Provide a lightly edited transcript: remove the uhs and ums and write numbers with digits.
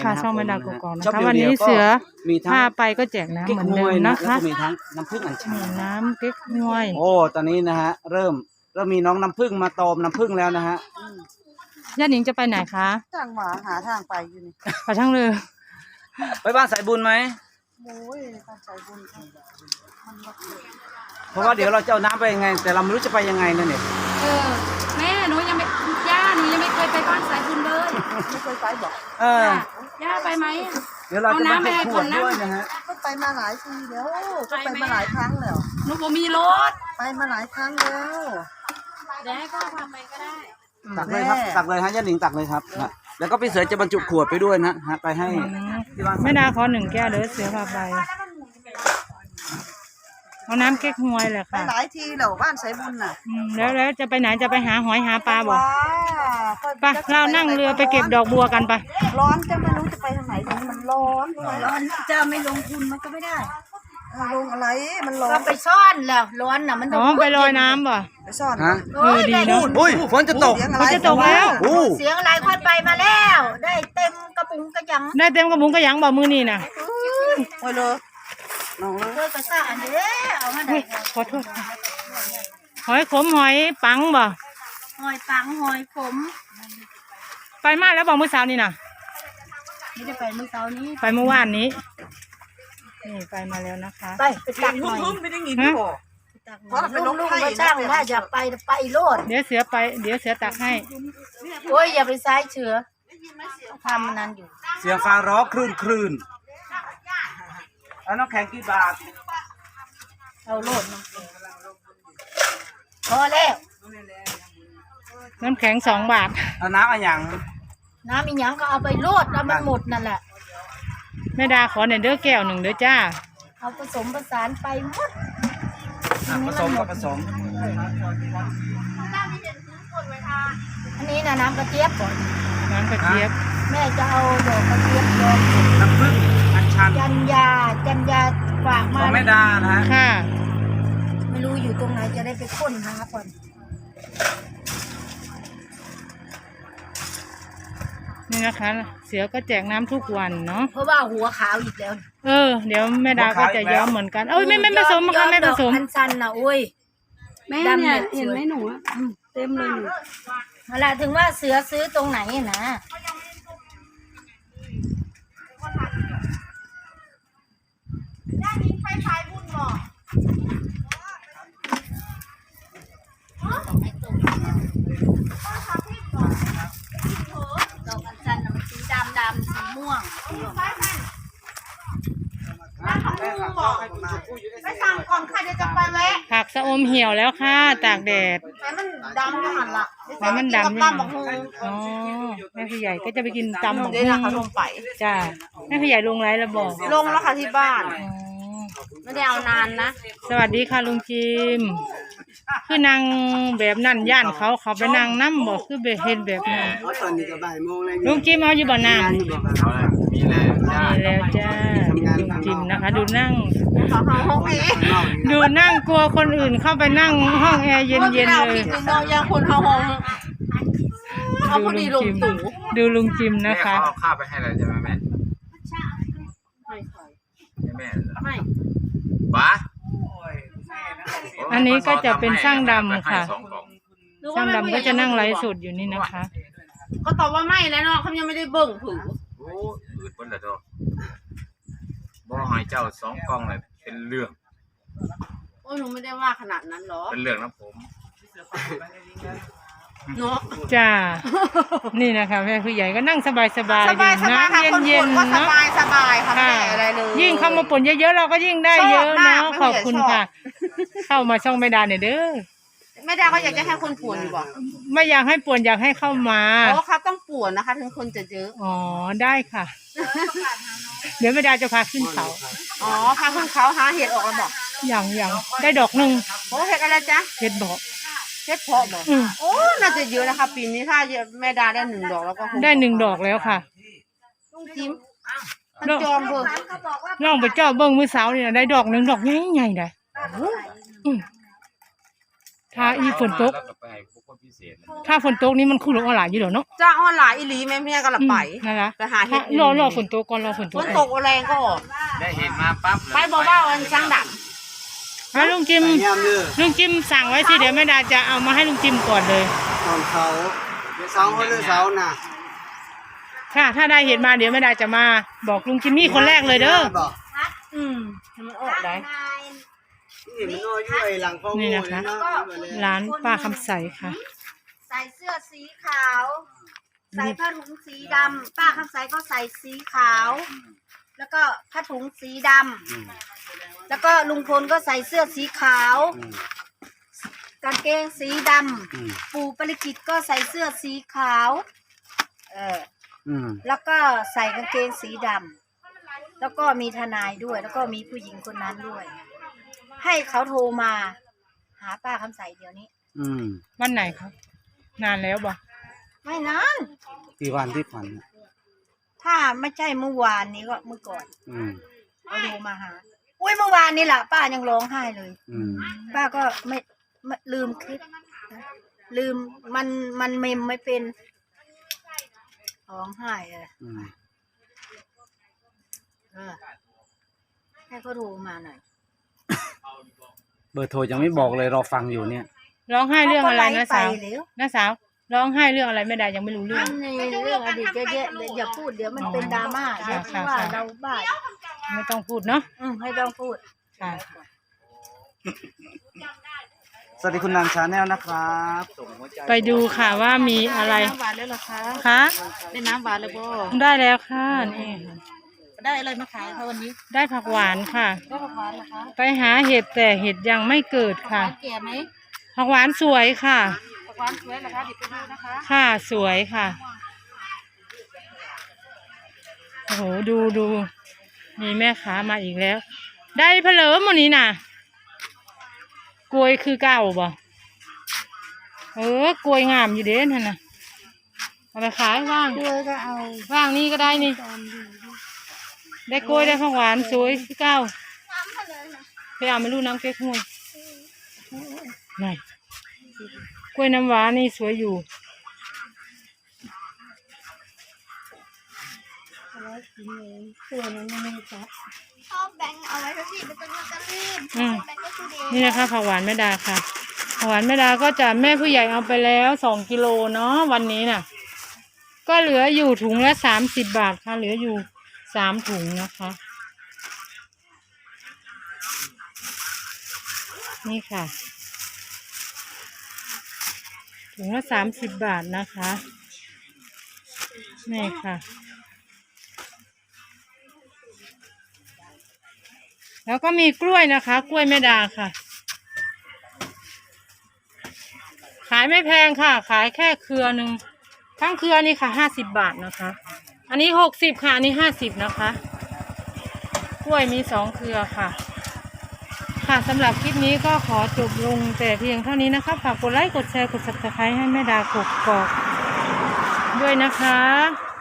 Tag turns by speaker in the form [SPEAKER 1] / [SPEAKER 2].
[SPEAKER 1] ค่ะ
[SPEAKER 2] นะ
[SPEAKER 1] ช่องแม่ดาว
[SPEAKER 2] ผม
[SPEAKER 1] กอกๆนะ
[SPEAKER 2] ชอบ
[SPEAKER 1] คะ
[SPEAKER 2] เดียว
[SPEAKER 1] วันนี้
[SPEAKER 2] ๆก็
[SPEAKER 1] เสือ
[SPEAKER 2] มีทั้ง
[SPEAKER 1] พาไปก็แจกน้ำเหมือนเดิมนะคะ
[SPEAKER 2] แล้วก็มีทั้งน้ำผึ้งอัญชัน
[SPEAKER 1] น้ำเก๊กฮวย
[SPEAKER 2] โอ้ตอนนี้นะฮะเริ่มมีน้องน้ำผึ้งมาตอมน้ำผึ้งแล้วนะฮะ
[SPEAKER 1] ย่าหนิงจะไปไหนคะ
[SPEAKER 3] ทางหมาหาทางไปอยู่นี่
[SPEAKER 1] ไปทั้งเรือ
[SPEAKER 2] ไปบ้านสายบุญไหม
[SPEAKER 3] โอ้ยการใจบุญมันแบบ
[SPEAKER 2] เพราะว่าเดี๋ยวเราจะเอาน้ำไปยังไง แต่เราไม่รู้จะไปยังไงนั่นเอง
[SPEAKER 4] แม่หนูยังไม่ย่าหนูยังไม่เคยไปบ้านสายบุญเลย
[SPEAKER 3] ไม่เคยไปบอก
[SPEAKER 4] ย่าไปไหม
[SPEAKER 2] เดี๋ยวเราจะมาให้ขวดด้วยนะฮะ
[SPEAKER 3] ก็ไปมาหลายทีแล้วก็ไปมาหลายครั้งแล้ว
[SPEAKER 4] หนูบ่มีรถ
[SPEAKER 3] ไปมาหลายครั้งแล้ว
[SPEAKER 4] เดี๋ยวให้พ่อพาไปก็ได้
[SPEAKER 2] ตักเลยครับตักเลยฮะย่าหนิงตักเลยครับนะแล้วก็พี่เสือจะบรรจุขวดไปด้วยนะฮะไปให้ที่บ้าน
[SPEAKER 1] แม่ดาขอ1 แก้วเด้อเสือพาไปเอาน้ำเก๊กฮวยแหละ
[SPEAKER 3] ไป
[SPEAKER 1] ค่ะ
[SPEAKER 3] หลายทีแล้วบ้านสายบุญน่ะ
[SPEAKER 1] แล้วจะไปไหนจะไปหาหอยหาปลาบอก
[SPEAKER 3] ว้า
[SPEAKER 1] ไปเรานั่งเรือไปเก็บดอกบัวกันไป
[SPEAKER 3] ร้อนจะไม่รู้จะไปทางไหนทีมันร้อนด้วย
[SPEAKER 4] ร้อนจะไม่ลงทุนมันก็ไม่ได้
[SPEAKER 3] ลงอะไรมันร้อ
[SPEAKER 4] ก็
[SPEAKER 3] น
[SPEAKER 4] ไปซ่อนแล้วร้อนน่ะมัน
[SPEAKER 1] อ๋อไปลอยน้ำบ่
[SPEAKER 3] ไปซ่อน
[SPEAKER 2] ฮะ
[SPEAKER 1] ดีเนาะ
[SPEAKER 2] อุ้ยฝนจะตก
[SPEAKER 1] ฝนจะตกแล้ว
[SPEAKER 2] อู้
[SPEAKER 4] เสียงอะไรค่อยไปมาแล้ว ได้เต็มกระปุกกระยัง
[SPEAKER 1] ได้เต็มกระบุงกระหยังบ่มือนี่น่ะ
[SPEAKER 3] ไปเลยน้องเลย
[SPEAKER 4] เพื่อกระซ่าอันเด้เอามาได้
[SPEAKER 1] ขอโทษค่ะหอยขมหอยปังบ่
[SPEAKER 4] หอยปังหอยขม
[SPEAKER 1] ไปมาแล้วบอกมื้อเช้านี่น่ะ
[SPEAKER 4] ไม่ได้ไปเมื่อเช้านี้
[SPEAKER 1] ไปเมื่อวานนี้นี่ไปมาแล้วนะคะ
[SPEAKER 4] ไปตักหน่อย
[SPEAKER 3] ไม่ได้ยิน
[SPEAKER 1] ฮะ
[SPEAKER 3] บอก
[SPEAKER 4] ตักหน่อยลุงมาจ้างว่าอยากไปโลด
[SPEAKER 1] เดี๋ยวเสือไปเดี๋ยวเสือตักให้
[SPEAKER 4] โอ้ยอย่าไปซ้ายเชือทำมันนั้นอยู่
[SPEAKER 2] เสียงฟ้าร้องคลื่นแล้วน้ำแข็งกี่บาท
[SPEAKER 4] เอาโลดมาพอแล้ว
[SPEAKER 1] น้ำแข็ง2 บาท
[SPEAKER 2] เอาน้ำอะไรอย่าง
[SPEAKER 4] น้ำอีหยังก็เอาไปโลดแล้วมันหมดนั่นแหละ
[SPEAKER 1] แม่ดาขอหน่อยเด้อแก้ว1เด้อจ้า
[SPEAKER 4] เอาผสมผสานไปหมด
[SPEAKER 2] ผสมกับผสม
[SPEAKER 4] อันนี้นะน้ำกระเจี๊ยบก่อน
[SPEAKER 1] น้ำกระเจี๊ยบ
[SPEAKER 4] แม่จะเอาดอกกระเจี๊ยบดอก
[SPEAKER 2] น้ำผึ้งอัญชัน
[SPEAKER 4] จันยาฝาก
[SPEAKER 2] ข
[SPEAKER 4] มา
[SPEAKER 2] องแม่ดานะฮะ
[SPEAKER 1] ค่ะ
[SPEAKER 4] ไม่รู้อยู่ตรงไหนจะได้ไปค้นหาก่อน
[SPEAKER 1] นี่นะคะ เสือก็แจกน้ำทุกวันเนาะ
[SPEAKER 4] เพราะว่าหัวขาวอีกแล้ว
[SPEAKER 1] เดี๋ยวแม่ดาก็จะย้อมเหมือนกันเอ้ยไม่ผสมค่ะไม่ผสม
[SPEAKER 4] พันซันนะโอ้ย
[SPEAKER 5] แม่
[SPEAKER 4] ดำ
[SPEAKER 5] เนี่ย
[SPEAKER 4] เนี่ย
[SPEAKER 5] เห็นไหมหนูอะเต็มเลยหนู
[SPEAKER 4] เวลาถึงว่าเสือซื้อตรงไหนนะดอกอัญชันน่ะมันสีดำสีม่วง
[SPEAKER 3] ไปสั่งก่อนค่ะเดี๋ยวจะไปแวะ
[SPEAKER 1] ผักสะอมเหี่ยวแล้วค่ะตากแดด
[SPEAKER 3] แต่มันดำก็หันละ
[SPEAKER 1] แต่มันดำ
[SPEAKER 3] กับ
[SPEAKER 1] นี่
[SPEAKER 3] ตำบักหุ่ง
[SPEAKER 1] อ๋อแม่พี่ใหญ่ก็จะไปกินตำหมก
[SPEAKER 3] เดี๋ยวนะคะลงไป
[SPEAKER 1] จ้าแม่พี่ใหญ่ลงไรแล้วบอก
[SPEAKER 3] ลงแล้วค่ะที่บ้าน
[SPEAKER 1] อ๋อ
[SPEAKER 3] ไม่ได้เอานานนะ
[SPEAKER 1] สวัสดีค่ะลุงจิมคือนางแบบนั่นย่านเขาไปนั่งน้ำบอกคือแบบเห็นแบบนั้น
[SPEAKER 3] ตอนนี้ก็บ่ายโมงแล้ว
[SPEAKER 1] ลุงจิมเอาอยู่บ่อน้ำมีแล้วจ้าลุงจิมนะคะ ดูนั่ง
[SPEAKER 3] ห้องเอ
[SPEAKER 1] ดูนั่งกลัวคนอื่นเข้าไปนั่งห้องแอร์เย็นๆเลย
[SPEAKER 3] นอนยังคนเข้าห้อง เอาพอดีลงตู่
[SPEAKER 1] ดูลุงจิมนะคะ
[SPEAKER 6] แม่เขาเอาข้าวไปให้อะไรใช่ไหมแม่ให้แม่เหรอ
[SPEAKER 3] ไม่
[SPEAKER 6] บ้า
[SPEAKER 1] อันนี้ก็จะเป็นช่างดำค่ะ
[SPEAKER 6] ให้2 กล่อง
[SPEAKER 1] ช่างดำก็จะนั่งไลฟ์สดอยู่นี่นะคะ
[SPEAKER 3] ก็ตอบว่าไม่แล้วเนาะเขายังไม่ได้เบิ่งผือ
[SPEAKER 6] โอ้อืดเพิ่นละตัวบ่ให้เจ้า2 กล่องเลยเป็นเรื่อง
[SPEAKER 3] โอ้หนูไม่ได้ว่าขนาดนั้นหรอ
[SPEAKER 6] เป็นเรื่องนะผม
[SPEAKER 3] เนาะ
[SPEAKER 1] จ้า นี่นะคะแม่ผู้ใหญ่ก็นั่งสบายๆ
[SPEAKER 3] สบายค่ะ
[SPEAKER 1] น้ำ
[SPEAKER 3] คน
[SPEAKER 1] เย็
[SPEAKER 3] ป่
[SPEAKER 1] น
[SPEAKER 3] นก็
[SPEAKER 1] ๆ
[SPEAKER 3] ส
[SPEAKER 1] เนาะ
[SPEAKER 3] บายสบายค่ะไม่
[SPEAKER 1] ค่ะ
[SPEAKER 3] ได้อะไรเลย
[SPEAKER 1] ยิ่งเข้ามาป่นเยอะๆเราก็ยิ่งได้เยอะ
[SPEAKER 3] ชอบมา
[SPEAKER 1] เนาะ
[SPEAKER 3] ก
[SPEAKER 1] ขอบคุณ
[SPEAKER 3] ไม่ได้ชอบ
[SPEAKER 1] ค่ะ เข้ามาช่องไม่ดาเนี่ยเด้อ
[SPEAKER 3] แม่ดาก็อยากจะให้คนป่วนอยู่บ่
[SPEAKER 1] ไม่อยากให้ป่วนอยากให้เข้ามา
[SPEAKER 3] เพราะเขาต้องป่วนนะคะ ถึงคนจะเยอะ
[SPEAKER 1] อ๋อได้ค่ะ เดี๋ยวไม่ดาจะพาขึ้นเขา
[SPEAKER 3] อ๋อพาเพื่อนเขาหาเห็ดออกแล้วบอก
[SPEAKER 1] อย่างได้ดอกหนึ่ง
[SPEAKER 3] โอ้เห็ดอะไรจ๊ะ
[SPEAKER 1] เห็ดบอก
[SPEAKER 3] เห็ดเพาะบอก
[SPEAKER 1] อืม
[SPEAKER 3] โอ้น่าจะเยอะนะคะ ปีนี้ถ้าแม่ดาได้1 ดอกแล้วก็คง
[SPEAKER 1] ได้1 ดอกแล้วค่ะ
[SPEAKER 3] ลุงจิ้มมันจอมเบิ่ง
[SPEAKER 1] น้องไปเจ้าเบิ้งมื้อเช้านี่นะได้ดอกหนึ่งดอกใหญ่ๆเลยถ้าอีฝนตก
[SPEAKER 6] แล้วก็ไปให้ผู้คนคนพิเศษนะ
[SPEAKER 1] ถ้าฝนตกนี่มันคือลงออนไลน์อยู่เดี๋ยวเนาะ
[SPEAKER 3] จ้าออนไลน์อีหลีแม่เมียก็ละไป
[SPEAKER 1] นั่นละ
[SPEAKER 3] ไปหาเห็ด
[SPEAKER 1] รอฝนตกก่อนรอฝนต
[SPEAKER 3] ฝ
[SPEAKER 1] ก
[SPEAKER 3] นตกแรงก็ออก
[SPEAKER 6] ได้เห็นมาปั๊บเลย
[SPEAKER 3] ไปบอกว่าวันช่างด
[SPEAKER 1] แล้วลุงจิม
[SPEAKER 2] ยามเลือ
[SPEAKER 1] ลุงจิมสั่งไว้สิเดี๋ยวแม่ดาจะเอามาให้ลุงจิมก่อนเลย
[SPEAKER 2] ตอนเขาเสาเขาเลือเสาน่ะ
[SPEAKER 1] ค่ะ ถ้าได้เห็นมาเดี๋ยวแม่ดาจะมาบอกลุงจิมมี่คนแรกเลยเด้อ
[SPEAKER 2] บอก
[SPEAKER 3] ำมันออกได้
[SPEAKER 2] นี่มันน้อยอยู่ไอ้หลังพ่อ
[SPEAKER 1] นี่
[SPEAKER 2] โง่
[SPEAKER 1] นะคะ
[SPEAKER 2] เนาะ
[SPEAKER 1] ร้านป้าคำใสค่ะ
[SPEAKER 5] ใส่เสื้อสีขาว ใส่ผ้าถุงสีดำป้าคำใสก็ใส่สีขาว แล้วก็ผ้าถุงสีดำแล้วก็ลุงพลก็ใส่เสื้อสีขาวกางเกงสีดำปู่ปริจิตก็ใส่เสื้อสีขาวแล้วก็ใส่กางเกงสีดำแล้วก็มีทนายด้วย แล้วก็มีผู้หญิงคนนั้นด้วย ให้เขาโทรมา หาป้าคำใสเดี๋ยวนี้
[SPEAKER 1] วันไหนครับนานแล้วบ่
[SPEAKER 5] ไม่นาน
[SPEAKER 2] กี่วันที่ผ่านมา
[SPEAKER 5] ถ้าไม่ใช่เมื่อวานนี้ก็เมื่อก่อน
[SPEAKER 2] อืม
[SPEAKER 5] เขาโทรมาหาอุ้ยเมื่อวานนี่แหละป้ายังร้องไห้เลย ป้าก็ไม่ลืมคลิปนะลืมมันเมมไม่เป็นร้องไห้เลยให้เขาโทรมาหน่อย
[SPEAKER 2] เบอร์โทรยังไม่บอกเลยรอฟังอยู่เนี่ย
[SPEAKER 1] ร้องไห้เรื่องอะไรนะสาว
[SPEAKER 5] ไปแล้ว
[SPEAKER 1] น้าสาวร้องไห้เรื่องอะไรแม่ดายังไม่รู้เรื่อง
[SPEAKER 5] นี่เรื่องอดีตเยอะแยะเลยอย่าพูดเดี๋ยวมันเป็นดราม่าเดี๋ยวคิดว่าเราบ้า
[SPEAKER 1] ไม่ต้องพูดเนาะ
[SPEAKER 5] ไม่ต้องพูด
[SPEAKER 1] ค่ะ
[SPEAKER 2] สวัสดีคุณนางชาแนลนะครับส่งหัวใจ
[SPEAKER 1] ไปดูค่ะว่ามีอะไร
[SPEAKER 3] น้ำหวานแล้วเหรอคะ
[SPEAKER 1] คะ
[SPEAKER 3] ได้น้ำหวานเลยบ่
[SPEAKER 1] ได้แล้วค่ะนี่ค่ะ
[SPEAKER 3] ได้อะไรมาขายคะวันนี้
[SPEAKER 1] ได้ผักหวานค่ะ
[SPEAKER 3] ได้ผักหวานเหรอคะ
[SPEAKER 1] ไปหาเห็ดแต่เห็ดยังไม่เกิดค่ะ
[SPEAKER 3] แก่ไหม
[SPEAKER 1] ผักหวานสวยค่ะ
[SPEAKER 3] ผักหวานสวยเหรอคะเดี๋ยวไปดูนะคะ
[SPEAKER 1] ค่ะสวยค่ะโอ้โหดูมีแม่ค้ามาอีกแล้ว ได้เพลิมวันนี้น่ะกล้วยคือเก่าบ่กล้วยงามอยู่เด้นั่นน่ะเอาไปขายว่าง
[SPEAKER 5] ด้วยก็เอา
[SPEAKER 1] ว่างนี่ก็ได้นี่ ได้กล้วยได้ผักหวานสวยคือเก่าไปเอาไม่รู้น้ำเก๊กฮวยไหนกล้วยน้ำหวานนี่สวยอยู่
[SPEAKER 5] ส่วนนั้นไม่จับ
[SPEAKER 7] ชอบแบงค์เอาไว้ทุกทีเป็นต้นลอตเตอรี่
[SPEAKER 1] อืม
[SPEAKER 7] แบงค์ก็คือเด
[SPEAKER 1] นี่นะคะผักหวานแม่ดาค่ะผักหวานแม่ดาก็จะแม่ผู้ใหญ่เอาไปแล้ว2 กิโลเนาะวันนี้น่ะ ก็เหลืออยู่ถุงละ30 บาทค่ะเหลืออยู่3 ถุงนะคะ นี่ค่ะถุงละ30 บาทนะคะนี่ค่ะแล้วก็มีกล้วยนะคะ กล้วยแม่ดาค่ะ ขายไม่แพงค่ะ ขายแค่เครือหนึ่งทั้งเครือนี่ค่ะ50 บาทนะคะ อันนี้60ค่ะอันนี้50นะคะกล้วยมี2 เครือค่ะค่ะสำหรับคลิปนี้ก็ขอจบลงแต่เพียงเท่านี้นะคะฝากกดไลค์กดแชร์กด Subscribe ให้แม่ดากกอกด้วยนะคะ